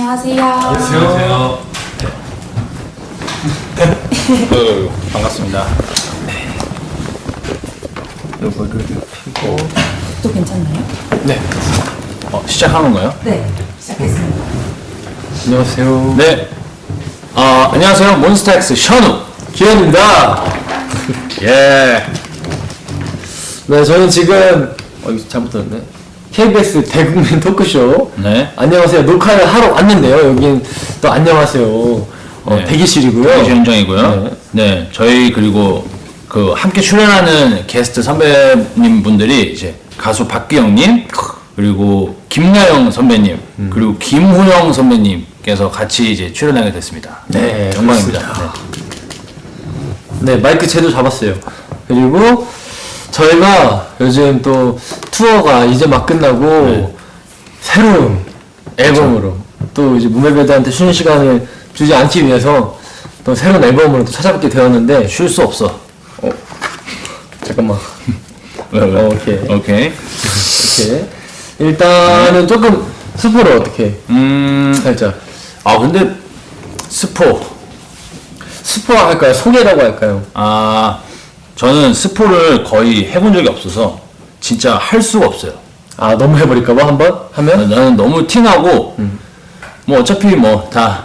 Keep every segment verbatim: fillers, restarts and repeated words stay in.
안녕하세요. 안녕하세요. 네. 반갑습니다. 네. 요거를 피고. 또 괜찮나요? 네. 어, 시작하는 거예요? 네, 시작했습니다. 안녕하세요. 네. 어, 안녕하세요. 몬스타엑스 션우 기현입니다. 예. 네, 저는 지금 어 이거 잘못 들었네. 케이비에스 대국민 토크쇼. 네. 안녕하세요. 녹화를 하러 왔는데요. 여긴 또 안녕하세요. 어, 네. 대기실이고요. 대기실 현장이고요. 네. 네. 저희 그리고 그 함께 출연하는 게스트 선배님 분들이 이제 가수 박기영님 그리고 김나영 선배님 음. 그리고 김훈영 선배님께서 같이 이제 출연하게 됐습니다. 네, 영광입니다. 그렇습니다. 네, 마이크 제도 잡았어요. 그리고 저희가 요즘 또 투어가 이제 막 끝나고 네. 새로운 앨범으로 또 이제 무매배드한테 쉬는 시간을 주지 않기 위해서 또 새로운 앨범으로 또 찾아뵙게 되었는데 쉴 수 없어. 어, 잠깐만. 왜, 왜? 어, 오케이. 오케이. 이렇게 일단은 조금 스포를 어떻게 음, 살짝 아 근데 스포. 스포 할까요? 소개라고 할까요? 아, 저는 스포를 거의 해본 적이 없어서 진짜 할 수가 없어요. 아 너무 해버릴까봐 한번 하면 나는 너무 티나고 뭐 어차피 뭐 다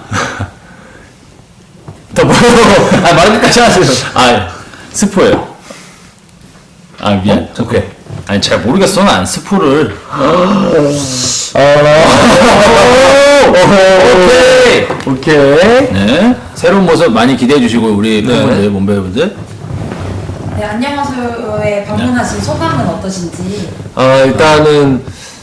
더 뭐? 아 말을 끝까지 하세요. 아, 스포예요. 아 미안. 어? 오케이. 아니 잘 모르겠어. 난 스포를. 오케이. 오케이. 네. 새로운 모습 많이 기대해 주시고 우리 네. 팬분들, 몸배분들. 네, 안녕하세요에 방문하신 소감은 어떠신지. 아 일단은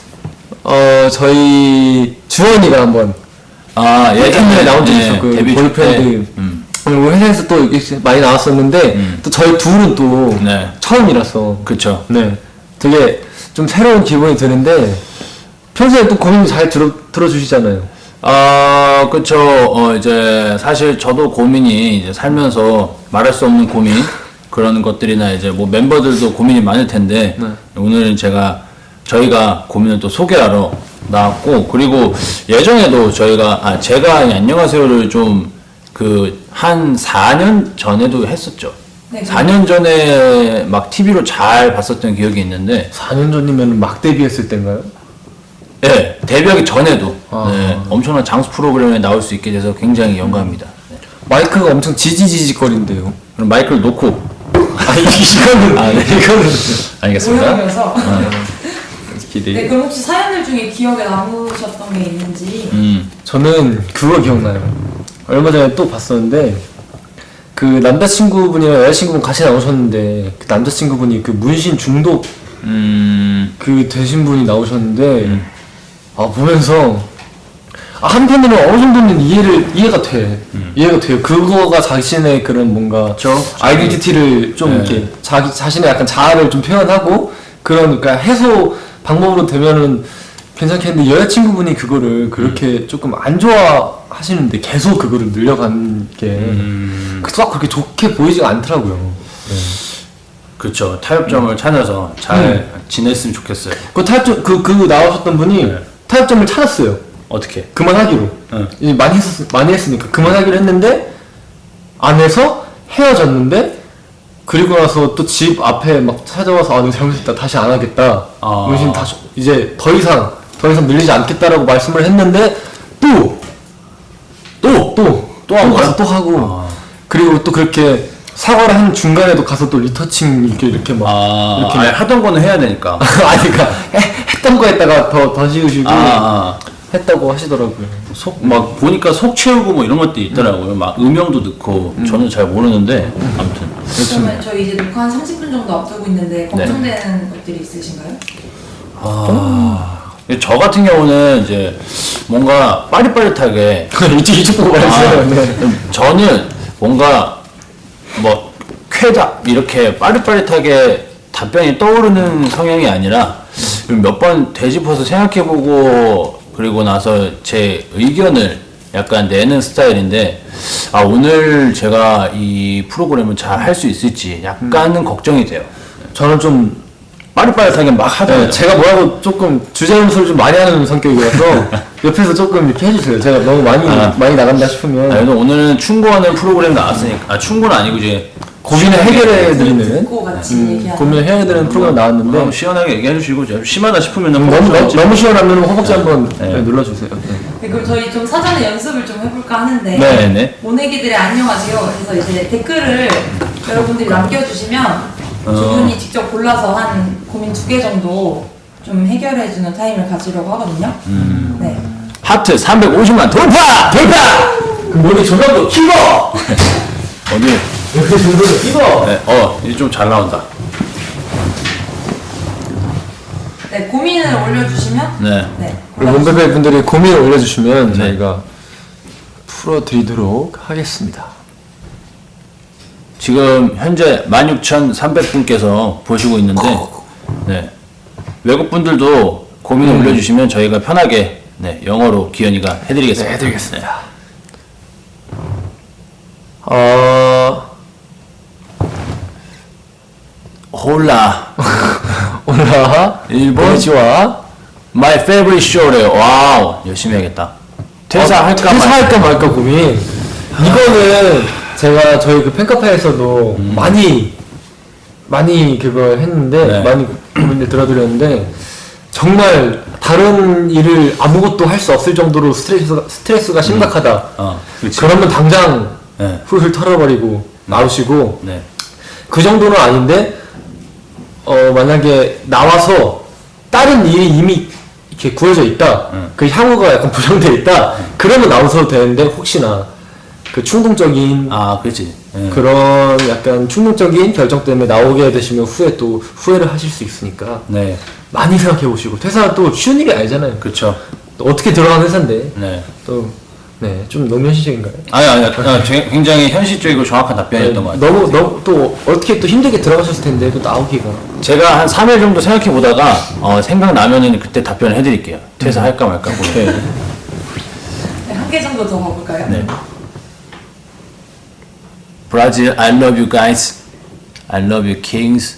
어 저희 주원이가 한번 아, 예전에 나온 적이 네, 있었고 데뷔 보이밴드 때. 음. 그리고 회사에서 또 이렇게 많이 나왔었는데 음. 또 저희 둘은 또 네. 처음이라서 그쵸. 네 되게 좀 새로운 기분이 드는데 평소에 또 고민 잘 들어 들어주시잖아요. 아, 그쵸. 어, 이제, 사실 저도 고민이 이제 살면서 말할 수 없는 고민, 그런 것들이나 이제 뭐 멤버들도 고민이 많을 텐데, 네. 오늘은 제가, 저희가 고민을 또 소개하러 나왔고, 그리고 예전에도 저희가, 아, 제가 이 안녕하세요를 좀 그, 한 사 년 전에도 했었죠. 네, 사 년 전에 막 티비로 잘 봤었던 기억이 있는데, 사 년 전이면 막 데뷔했을 때인가요? 네, 데뷔하기 전에도, 아. 네, 엄청난 장수 프로그램에 나올 수 있게 돼서 굉장히 영광입니다. 네. 마이크가 엄청 지지지직거린대요. 그럼 마이크를 놓고 아 이거는 아, 네. 이거는 알겠습니다. 오염이어서. 기대. 네, 그럼 혹시 사연들 중에 기억에 남으셨던 게 있는지. 음, 저는 그거 기억나요. 얼마 전에 또 봤었는데 그 남자친구분이랑 여자친구분 같이 나오셨는데 그 남자친구분이 그 문신 중독 음, 그 되신 분이 나오셨는데 아 보면서 아, 한편으로 어느 정도는 이해를 이해가 돼 이해가 돼요. 그거가 자신의 그런 뭔가 그쵸. 아이덴티티를 좀 네. 이렇게 자기 자신의 약간 자아를 좀 표현하고 그런 그러니까 해소 방법으로 되면은 괜찮겠는데 여자친구분이 그거를 그렇게 조금 안 좋아하시는데 계속 그거를 늘려간 게 음, 딱 그렇게 좋게 보이지가 않더라고요. 그쵸. 타협점을 찾아서 잘 네. 지냈으면 좋겠어요. 그 타협점 그, 그 나오셨던 분이 네. 타협점을 찾았어요. 어떻게? 그만하기로. 응. 이제 많이 했 많이 했으니까 그만하기로 했는데 안 해서 헤어졌는데 그리고 나서 또 집 앞에 막 찾아와서 아 내가 잘못했다 다시 안 하겠다. 아. 문신 다시 이제 더 이상 더 이상 밀리지 않겠다라고 말씀을 했는데 또 또 또 또 한 가서 거야? 또 하고 아. 그리고 또 그렇게 사과를 한 중간에도 가서 또 리터칭 이렇게 이렇게 막 아, 이렇게 아니, 하던 거는 해야 되니까. 아니 그니까 했던 거 했다가 더 더 지우시고 아, 아. 했다고 하시더라고요. 속, 막, 보니까 속 채우고 뭐 이런 것도 있더라고요. 막, 음영도 넣고, 저는 잘 모르는데, 아무튼. 그러면 저희 이제 녹화 한 삼십 분 정도 앞두고 있는데 걱정되는 것들이 있으신가요? 아, 저 같은 경우는 이제, 뭔가 빠릿빠릿하게, 이쪽 이쪽 보고 말했어요. 아, 네. 저는 뭔가 뭐 쾌답 이렇게 빠릿빠릿하게 답변이 떠오르는 성향이 아니라 몇 번 되짚어서 생각해보고 그리고 나서 제 의견을 약간 내는 스타일인데 아 오늘 제가 이 프로그램을 잘 할 수 있을지 약간은 걱정이 돼요. 저는 좀 빠릿빠릿하게 막 하잖아요. 네, 제가 뭐라고 조금 주제음소를 좀 많이 하는 성격이어서 옆에서 조금 이렇게 해주세요. 제가 너무 많이 아. 많이 나간다 싶으면 아, 그래도 오늘은 충고하는 프로그램 나왔으니까 아 충고는 아니고 이제 고민을 해결해 드리는 듣고 같이 음, 얘기하는. 고민을 해야 되는 프로그램 나왔는데 아, 시원하게 얘기해 주시고 좀 심하다 싶으면 너무 너무, 너무 시원하면 허벅지 네. 한번 네. 네, 눌러주세요. 네. 네, 그럼 저희 좀 사전에 연습을 좀 해볼까 하는데 네, 네. 모내기들의 안녕하세요. 그래서 이제 댓글을 여러분들이 남겨주시면 두 어. 분이 직접 골라서 한 고민 두 개 정도 좀 해결해주는 타임을 가지려고 하거든요. 음. 네. 하트 삼백오십만 돌파! 돌파! 머리 조명도 키고 어디? 머리 조명도 키고 네, 어 이제 좀 잘 나온다. 네, 고민을 올려주시면 네. 네, 우리 골라주시면 몬베베 분들이 고민을 올려주시면 네. 저희가 풀어드리도록 하겠습니다. 지금 현재 만 육천삼백 분께서 보시고 있는데 네. 외국 분들도 고민을 음. 올려주시면 저희가 편하게 네, 영어로 기현이가 해드리겠습니다. 네, 해드리겠습니다. 어... 홀라 오라 일본 보지와 My favorite show래요. 와우 열심히 해야겠다. 퇴사할까 어, 퇴사할까 말까. 말까 고민. 이거는 제가 저희 그 팬카페에서도 음. 많이 많이 그걸 했는데 네. 많이 고민을 들어드렸는데 정말 다른 일을 아무것도 할 수 없을 정도로 스트레스가 스트레스가 심각하다. 어, 그렇지. 그러면 당장 네. 훌훌 털어버리고 나오시고 네. 그 정도는 아닌데 어 만약에 나와서 다른 일이 이미 이렇게 구해져 있다. 응. 그 향후가 약간 보장돼 있다. 그러면 나오셔도 되는데 혹시나 그 충동적인 아, 그렇지. 네. 그런 약간 충동적인 결정 때문에 나오게 되시면 후에 또 후회를 하실 수 있으니까 네. 많이 생각해 보시고 퇴사는 또 쉬운 일이 아니잖아요. 그렇죠. 또 어떻게 들어간 회사인데 네. 또 네, 좀 너무 현실적인가요? 아니, 아니, 아니, 제- 굉장히 현실적이고 정확한 답변이었던 것 같아요. 너무 너무 또 어떻게 또 힘들게 들어가셨을 텐데 또 나오기가 제가 한 삼 일 정도 생각해 보다가 어, 생각나면은 그때 답변을 해드릴게요. 퇴사할까 말까 고민. 네. 네, 한 개 정도 더 가볼까요? 네. 브라질, I love you guys. I love you kings.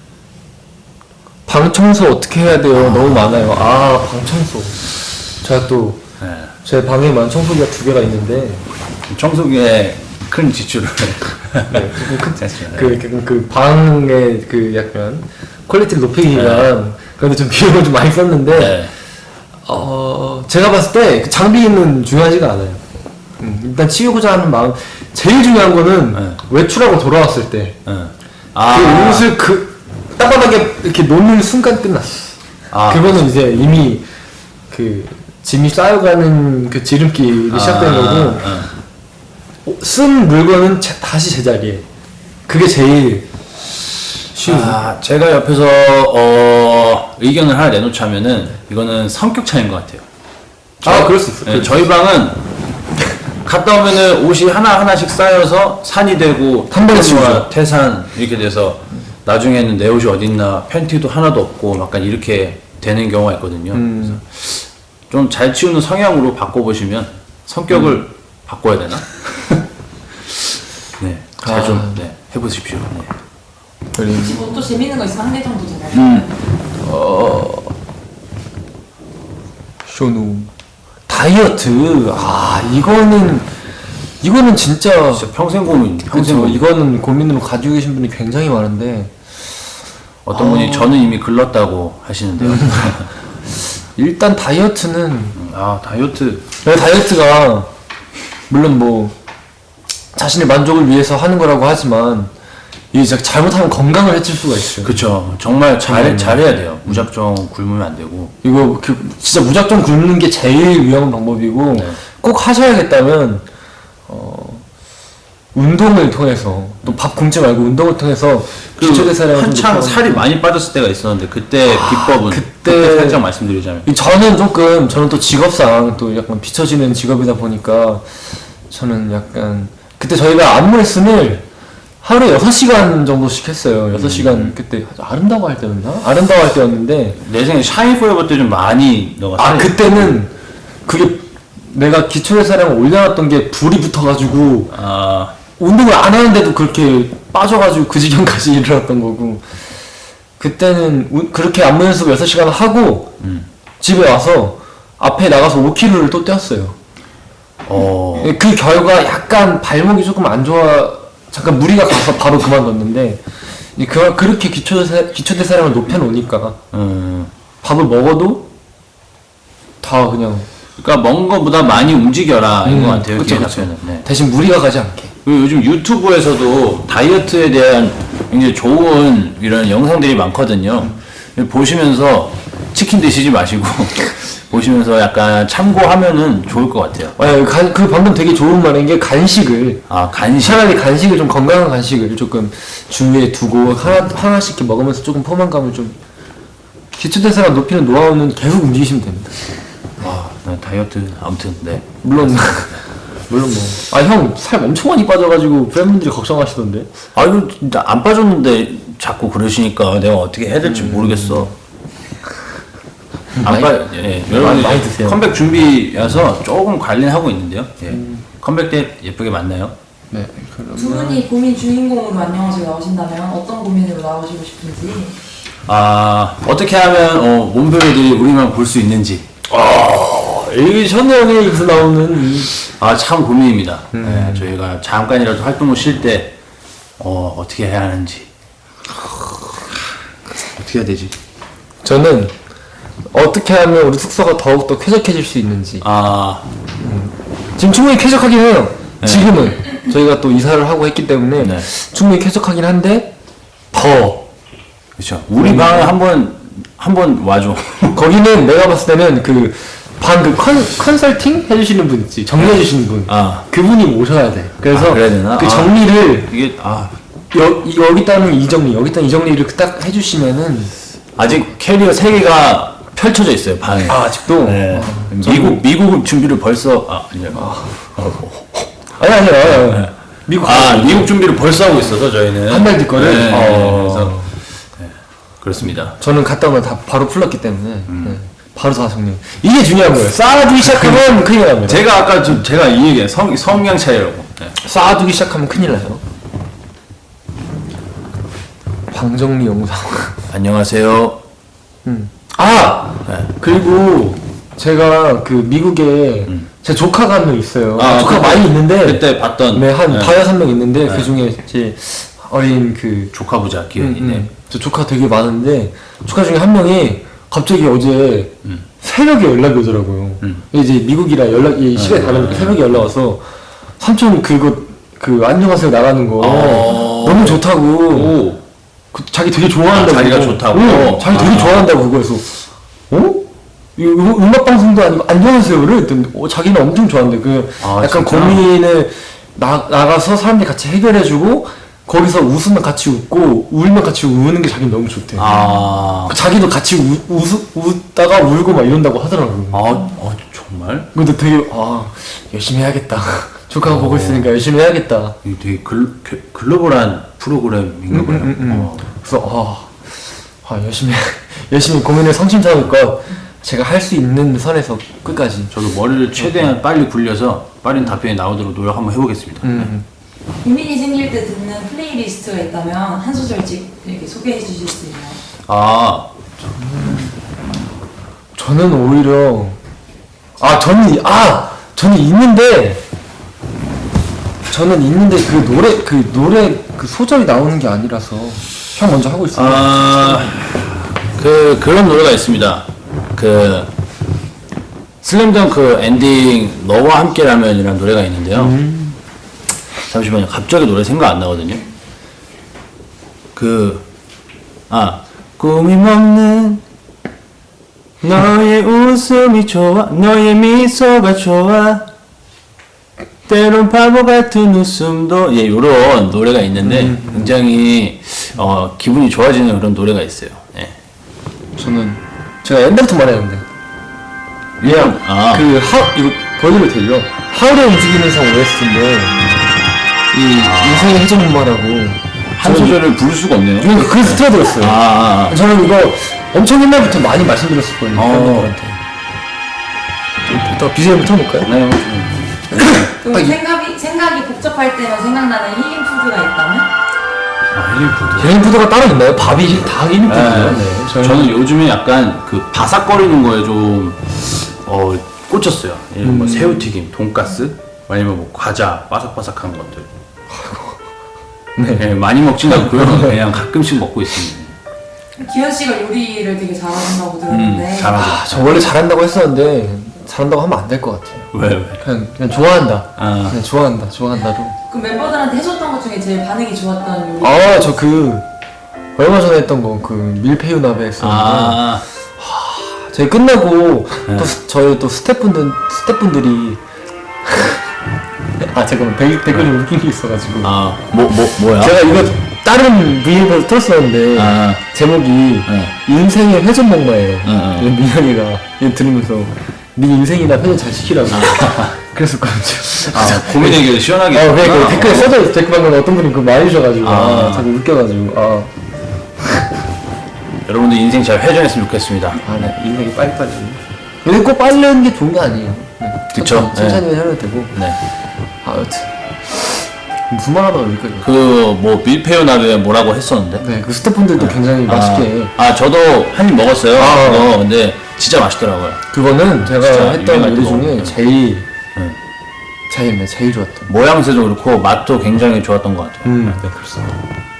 방 청소 어떻게 해야 돼요? 너무 많아요. 아, 방 청소. 제가 또, 네. 제 방에만 청소기가 두 개가 있는데, 청소기에 큰 지출을. 네, 그, 됐습니다. 그, 그, 그 방의 그 약간 퀄리티를 높이기 위한, 그런데 좀 비용을 좀 많이 썼는데, 네. 어, 제가 봤을 때 그 장비는 중요하지가 않아요. 음, 일단 치우고자 하는 마음. 제일 중요한 거는 네. 외출하고 돌아왔을 때, 응. 그 아, 옷을 그 따뜻하게 이렇게 놓는 순간 끝났어. 아. 그거는 이제 이미 그 짐이 쌓여가는 그 지름길이 시작된 거고 응. 어, 쓴 물건은 제- 다시 제자리에. 그게 제일 쉬운. 아, 제가 옆에서 어, 의견을 하나 내놓자면은 이거는 성격 차이인 것 같아요. 아, 그럴 수 있어. 네, 저희 방은 갔다 오면은 옷이 하나 하나씩 쌓여서 산이 되고 한 번에 태산과 치우죠. 태산 이렇게 돼서 나중에는 내 옷이 어딨나 팬티도 하나도 없고 약간 이렇게 되는 경우가 있거든요. 음. 좀 잘 치우는 성향으로 바꿔보시면 성격을 음. 바꿔야 되나? 네, 잘 좀 아. 네, 해보십시오. 네. 그리고 혹시 뭐 또 재밌는 거 있으면 한 개 정도 더 가볼까요? 음. 어 쇼누 다이어트. 아 이거는 이거는 진짜 진짜 평생 고민, 평생 그렇죠. 고민. 이거는 고민으로 가지고 계신 분이 굉장히 많은데 어떤 아. 분이 저는 이미 글렀다고 하시는데요. 일단 다이어트는 아 다이어트 네, 다이어트가 물론 뭐 자신의 만족을 위해서 하는 거라고 하지만 이게 진짜 잘못하면 건강을 해칠 수가 있어요. 그쵸 정말 잘 정말요. 잘해야 돼요. 무작정 굶으면 안 되고. 이거 그 진짜 무작정 굶는 게 제일 위험한 방법이고 네. 꼭 하셔야겠다면 어 운동을 통해서 또 밥 굶지 말고 운동을 통해서 그 기초대사량을 좀 한창 높여가지고. 살이 많이 빠졌을 때가 있었는데 그때 비법은 그때- 그때 살짝 말씀드리자면 이 저는 조금 저는 또 직업상 또 약간 비춰지는 직업이다 보니까 저는 약간 그때 저희가 안무 레슨을 하루에 여섯 시간 정도씩 했어요. 여섯 시간 음. 그때 아름다워 할 때였나? 아름다워 할 때였는데 내 생에 샤인 포에버 때 좀 많이 넣어갔어요. 아 그때는 그게 내가 기초대사량을 올려놨던 게 불이 붙어가지고 아 운동을 안 하는데도 그렇게 빠져가지고 그 지경까지 일어났던 거고 그때는 우- 그렇게 안무 연습 여섯 시간 하고 음. 집에 와서 앞에 나가서 오 킬로미터를 또 뛰었어요. 어. 그 결과 약간 발목이 조금 안 좋아, 잠깐 무리가 가서 바로 그만뒀는데 이제 그, 그렇게 기초대사, 기초대사량을 높여놓으니까 음. 밥을 먹어도 다 그냥 그러니까 먹은 거보다 많이 움직여라 음, 이거 같아요. 그쵸, 기회 그쵸. 자체는. 네. 대신 무리가 가지 않게. 그리고 요즘 유튜브에서도 다이어트에 대한 굉장히 좋은 이런 영상들이 많거든요. 보시면서 치킨 드시지 마시고 보시면서 약간 참고하면은 좋을 것 같아요. 아, 간, 그 방금 되게 좋은 말인 게 간식을 아 간식. 차라리 간식을 좀 건강한 간식을 조금 주위에 두고 하나, 하나씩 이렇게 먹으면서 조금 포만감을 좀 기초대사량 높이는 노하우는 계속 움직이시면 됩니다. 아, 나 다이어트 아무튼 네. 물론 물론 뭐 아 형 살 엄청 많이 빠져가지고 팬분들이 걱정하시던데. 아 이거 진짜 안 빠졌는데 자꾸 그러시니까 내가 어떻게 해야 될지 모르겠어. 안 많이- 빠, 예, 많이- 여러분 많이 드세요. 컴백 준비여서 조금 관리는 하고 있는데요. 예. 컴백 때 예쁘게 만나요. 네. 두 분이 고민 주인공으로 안녕하세요 나오신다면 어떤 고민으로 나오시고 싶은지. 아 어떻게 하면 어, 몸베베들이 우리만 볼 수 있는지. 이게 현대형에 입에서 나오는 이 아 참 고민입니다. 네, 저희가 잠깐이라도 활동을 쉴 때 어, 어떻게 해야 하는지 어떻게 해야 되지? 저는 어떻게 하면 우리 숙소가 더욱더 쾌적해질 수 있는지. 아 지금 충분히 쾌적하긴 해요. 네. 지금은 저희가 또 이사를 하고 했기 때문에 네. 충분히 쾌적하긴 한데 더 그렇죠. 우리 방에 한번 한번 와줘. 거기는 내가 봤을 때는 그 방 그 컨설팅 해주시는 분 있지, 정리해주시는 분. 아. 그분이 모셔야 돼. 그래서 아, 그래야 되나? 그 아. 정리를 이게 아 여, 이- 여기다는 이 정리, 여기다 이 정리를 딱 해주시면은 아직 캐리어 세 개가 펼쳐져 있어요 방에. 아, 아직도 네. 아, 미국 미국 준비를 벌써 아 아니요. 아니 아니 아니 아니. 미국 아 미국 준비를 벌써 하고 있어서 저희는 한 달 뒤거를. 네, 어. 그래서 네, 그렇습니다. 저는 갔다 오면 다 바로 풀렀기 때문에 네. 바로 다 정리. 이게 중요한 거예요. 쌓아두기 시작하면 큰일 납니다. 제가 아까 좀 제가 이 얘기 성 성향 차이라고. 네. 쌓아두기 시작하면 큰일 나요. 방 정리 영상. 안녕하세요. 음. 아 네. 그리고 제가 그 미국에 제 조카가 한 명 있어요. 아, 조카 그때- 많이 있는데 그때 봤던 네, 한 네. 다여섯 명 있는데 그 중에 제 어린 그 조카 부자 음, 기현이네. 음. 저 조카 되게 많은데 조카 중에 한 명이 갑자기 어제 음. 새벽에 연락이 오더라고요. 음. 이제 미국이라 연락이 시간이 다르니까 새벽에 연락 와서 삼촌 그거 그 안녕하세요 나가는 거 어. 너무 좋다고. 오. 그 자기 되게 좋아한다고. 아, 자기가 그거. 좋다고? 응, 자기 되게 아. 좋아한다고 그거에서 어? 이거 음- 음악 방송도 아니고 안녕하세요를 했더니 어, 자기는 엄청 좋아한대. 그 아, 약간 진짜? 고민을 나 나가서 사람들이 같이 해결해주고 거기서 웃으면 같이 웃고 울면 같이 우는 게 자기는 너무 좋대. 아. 그 자기도 같이 우, 웃, 웃다가 울고 막 이런다고 하더라고요. 아, 어, 정말? 근데 되게 아 열심히 해야겠다. 조카가 보고 있으니까 열심히 해야겠다. 이게 되게 글, 글- 글로벌한 프로그램인가 보네요. 어. 그래서 아, 아 열심히 열심히 고민을 성심성의껏 제가 할 수 있는 선에서 끝까지. 저도 머리를 최대한 빨리 굴려서 빠른 답변이 나오도록 노력 한번 해보겠습니다. 음. 고민이 생길 때 듣는 플레이리스트가 있다면 한 소절씩 이렇게 소개해 주실 수 있나요? 아, 저는 오히려 아 저는 아 저는 있는데 저는 있는데 그 노래 그 노래 그 소절이 나오는 게 아니라서 형 먼저 하고 있어요. 아, 그, 그런 노래가 있습니다. 그, 슬램덩크 엔딩, 너와 함께라면이라는 노래가 있는데요. 음. 잠시만요. 갑자기 노래 생각 안 나거든요. 그, 아, 꿈이 먹는 너의 웃음이 좋아, 너의 미소가 좋아, 때론 바보 같은 웃음도, 예, 요런 노래가 있는데, 음. 굉장히, 어, 기분이 좋아지는 그런 노래가 있어요. 예. 저는 제가 옛날부터 말했는데 그냥, 아, 그 하, 이거 보여드려도 되죠? 하울의 움직이는 성 오에스티인데 이 인생의 해적문마라고 한 소절을 부를 수가 없네요. 이거 그래서 틀어드렸어요. 아, 아, 아. 저는 이거 엄청 옛날부터 많이 말씀드렸었거든요. 어. 팬분들한테. 이따 비지엠 틀어볼까요? 네, 그럼 아, 이- 생각이 생각이 복잡할 때만 생각나는 힐링 푸드가 있다면? 아, 힐링푸드. 힐링푸드가 따로 있나요? 밥이 다 힐링푸드예요. 네. 저희는- 저는 요즘에 약간 그 바삭거리는 거에 좀 어, 꽂혔어요. 예, 뭐 음. 새우튀김, 돈가스, 아니면 뭐 과자, 바삭바삭한 것들. 네. 많이 먹진 않고요. 그냥 가끔씩 먹고 있습니다. 기현 씨가 요리를 되게 잘하신다고 들었는데. 음, 잘하죠. 아, 저 원래 잘한다고 했었는데 잘한다고 하면 안 될 것 같아요. 왜 왜? 그냥 그냥 좋아한다. 아. 그냥 좋아한다. 좋아한다로. 그 멤버들한테 해줬던 것 중에 제일 반응이 좋았던 요리. 아, 저 그 얼마 전에 했던 거 그 밀푀유 나베 했었는데 아, 저희 끝나고 네. 또 스- 저희 또 스태프분들 스태프분들이 아 잠깐만 댓- 댓글에 웃긴 게 있어가지고 아, 뭐, 뭐, 뭐야? 제가 이거 다른 브이앱에서 틀었었는데 아. 제목이 네. 인생의 회전 목마예요. 응, 응. 민현이가 이거 들으면서 네 인생이나 회전 잘 시키라고 그랬었거든요. 아, 고민 해결 시원하게. 어, 그러니까 했구나. 댓글에 써져 있어. 댓글 방금 어떤 분이 그거 많이 주셔가지고 아, 아. 자꾸 웃겨가지고 아, 여러분들 인생 잘 회전했으면 좋겠습니다. 아, 네. 인생이 빨리빨리. 근데 꼭 빨리 하는 게 좋은 게 아니에요. 네. 그쵸? 천천히 해도 되고. 네. 아, 여튼 무슨 말 하다가 여기까지. 왔- 그 뭐 밀푀유 나베 뭐라고 했었는데. 네, 그 스태프분들도 굉장히 맛있게. 아, 아, 저도 한 입 먹었어요. 아. 그거. 근데 진짜 맛있더라고요. 그거는 제가 진짜 했던 유명할 요리 때가 중에 없는데. 제일 네. 제일 네, 제일 좋았던. 모양새도 그렇고 맛도 굉장히 좋았던 것 같아요. 음, 네, 그렇습니다.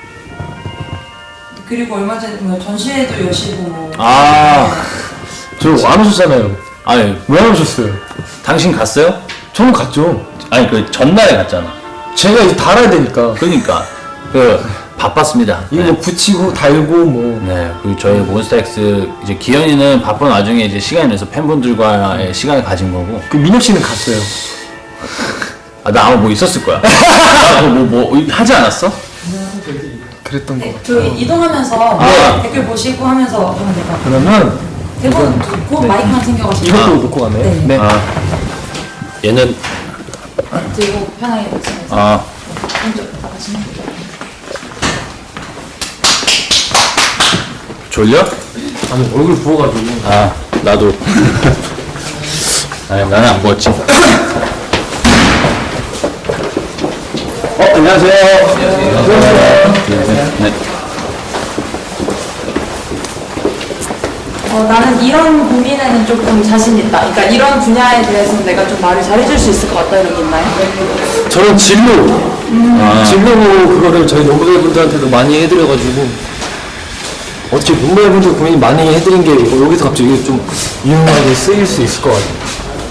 그리고 얼마 전에 뭐 전시회도 여시고 뭐. 아, 저 안 오셨잖아요. 아니, 왜 안 오셨어요? 당신 갔어요? 저는 갔죠. 아니, 그 전날에 갔잖아. 제가 이제 달아야 되니까. 그러니까 그 바빴습니다. 이거 네. 뭐 붙이고 달고 뭐. 네, 그리고 저희 몬스타엑스 이제 기현이는 바쁜 와중에 이제 시간을 내서 팬분들과의 시간을 가진 거고. 그 민혁 씨는 갔어요. 아, 나 아마 뭐 있었을 거야. 나 뭐, 뭐, 뭐 하지 않았어? 그랬던 거 네, 같아요. 저희 이동하면서 아. 댓글 보시고 하면서 하면 될 것 같아요. 그러면 대본 곧 마이크만 챙겨가시고. 이것도 아. 놓고 가네요. 네. 네. 아, 얘는 들고 편하게 보시면서. 아, 왼쪽 나가시면 돼요. 졸려? 아니 얼굴 부어가지고. 아, 나도. 아니, 나는 안 부었지. 어, 안녕하세요. 안녕하세요. 네. 어, 나는 이런 고민에는 조금 자신 있다. 그러니까 이런 분야에 대해서는 내가 좀 말을 잘해줄 수 있을 것 같다 이런 게 있나요? 저는 진로. 아, 진로 그거를 저희 농부들분들한테도 많이 해드려가지고 어떻게 농부분들 고민 많이 해드린 게 여기서 갑자기 좀 유용하게 쓰일 수 있을 것 같아요.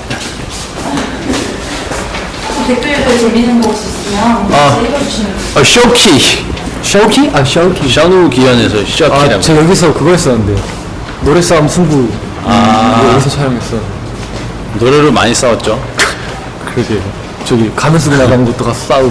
댓글도 재밌는 거 혹시 있으면 아. 같이 읽어주시면 돼요. 어, 쇼키. 샤오키? 아 샤오키. 샤누 기현에서 쇼키라고. 아 제가 여기서 그거 했었는데 노래 싸움 승부. 아. 이거 여기서 촬영했어. 노래를 많이 싸웠죠. 그러게. 저기 가면 쓰고 나가는 것도 가서 싸우고.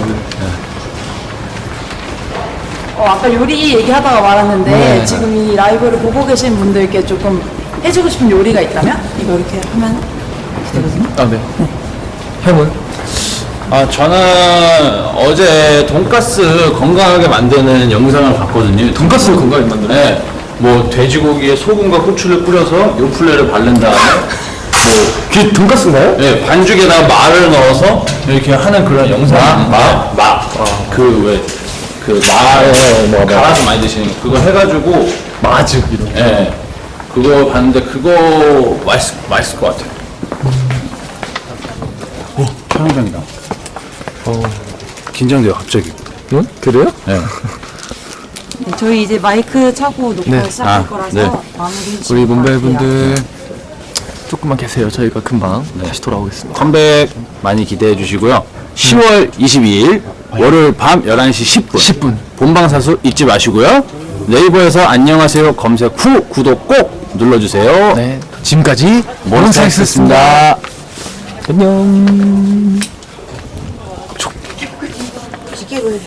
어, 아까 요리 얘기하다가 말았는데 네. 지금 이 라이브를 보고 계신 분들께 조금 해주고 싶은 요리가 있다면 이거 이렇게 하면 이렇게 되거든요. 아 네. 형은? 아, 저는 어제 돈가스 건강하게 만드는 영상을 봤거든요. 돈가스를 건강하게 만드는. 네, 뭐 돼지고기에 소금과 후추를 뿌려서 요플레를 바른 다음에 뭐 그게 돈가스인가요? 네, 반죽에다가 마를 넣어서 이렇게 하는 그런 영상이 있는데 마? 그왜그 마, 네, 뭐, 뭐. 갈아서 많이 드시는 거 그거 해가지고 마즈 이런. 예, 그거 봤는데 그거 맛있, 맛있을 것 같아요. 오, 촬영장이다. 어. 긴장돼요, 갑자기. 응? 그래요? 네. 네, 저희 이제 마이크 차고 놓고 네. 시작할 아, 거라서 네. 마무리 우리 몬베이분들 조금만 계세요. 저희가 금방 네. 다시 돌아오겠습니다. 컴백 많이 기대해 주시고요. 시월 이십이일 월요일 밤 열한 시 십 분. 십 분. 본방사수 잊지 마시고요. 네이버에서 안녕하세요 검색 후 구독 꼭 눌러주세요. 네. 지금까지 몬스타엑스였습니다. 안녕.